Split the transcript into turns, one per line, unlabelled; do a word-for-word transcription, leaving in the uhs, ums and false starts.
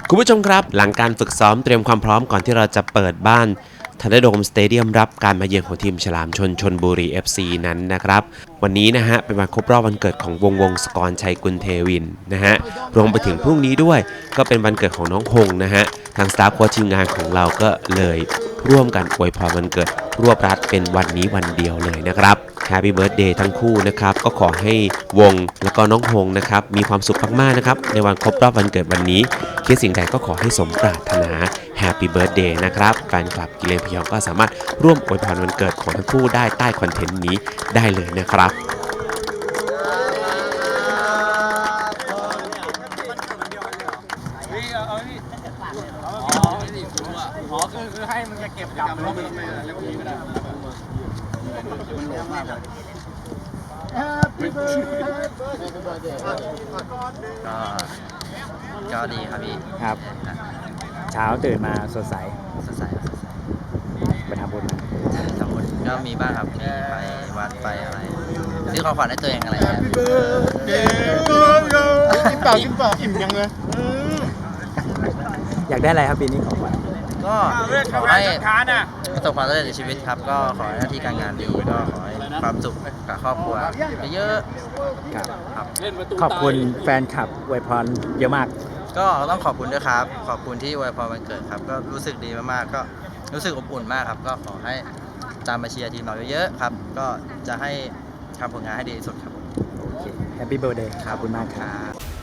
คุณผู้ชมครับหลังการฝึกซ้อมเตรียมความพร้อมก่อนที่เราจะเปิดบ้านทันเดอร์โดมสเตเดียมรับการมาเยือนของทีมฉลามชนชลบุรี เอฟ ซี นั้นนะครับวันนี้นะฮะเป็นวันครบรอบวันเกิดของวงวงศกรชัยกุลเทวินนะฮะรวมไปถึงพรุ่งนี้ด้วยก็เป็นวันเกิดของน้องฮงนะฮะทางสตาฟโค้ชทีมงานของเราก็เลยร่วมกันอวยพรวันเกิดรวบรัดเป็นวันนี้วันเดียวเลยนะครับ Happy Birthday ทั้งคู่นะครับก็ขอให้วงแล้วก็น้องฮงนะครับมีความสุขมากๆนะครับในวันครบรอบวันเกิดวันนี้คิดสิ่งใดก็ขอให้สมปรารถนา Happy Birthday นะครับแฟนคลับกิเลนพยองก็สามารถร่วมอวยพรวันเกิดของทั้งคู่ได้ใต้คอนเทนต์นี้ได้เลยนะครับ
อ๋อคือคือให้มันจะเก็บกลับแล้วมันไม่แล้วก็มีก็ได้มันหลงมากเลย
ก็ก็ดีครับพี่
ครับ เช้าตื่นมาสดใส
สดใสครับสดใส
ไปทำบุญมา
สองคนก็มีบ้างครับมีไปวัดไปอะไรซื้อของขวัญให้ตัวเองอะไรเงี้ย
กินเปล่ากินเปล่าอิ่มยังเลย
อยากได้อะไรครับปีนี้ของขวัญ
ก็ขอให้ประสบความสำเร็จในชีวิตครับก็ขอให้หน้าที่การงานดีก็ขอให้ความสุขกับครอบครัวเยอะ
ครับ
ๆครับ
ขอบคุณแฟนคลับอวยพรเยอะมาก
ก็ต้องขอบคุณด้วยครับขอบคุณที่อวยพรวันเกิดครับก็รู้สึกดีมากๆก็รู้สึกอบอุ่นมากครับก็ขอให้ตามมาเชียร์ทีมเราเยอะๆครับก็จะให้ทำผลงานให้ดีที่สุดครับ
โอเค แฮปปี้เบิร์ดเดย์ขอบคุณมากครับ
ครับ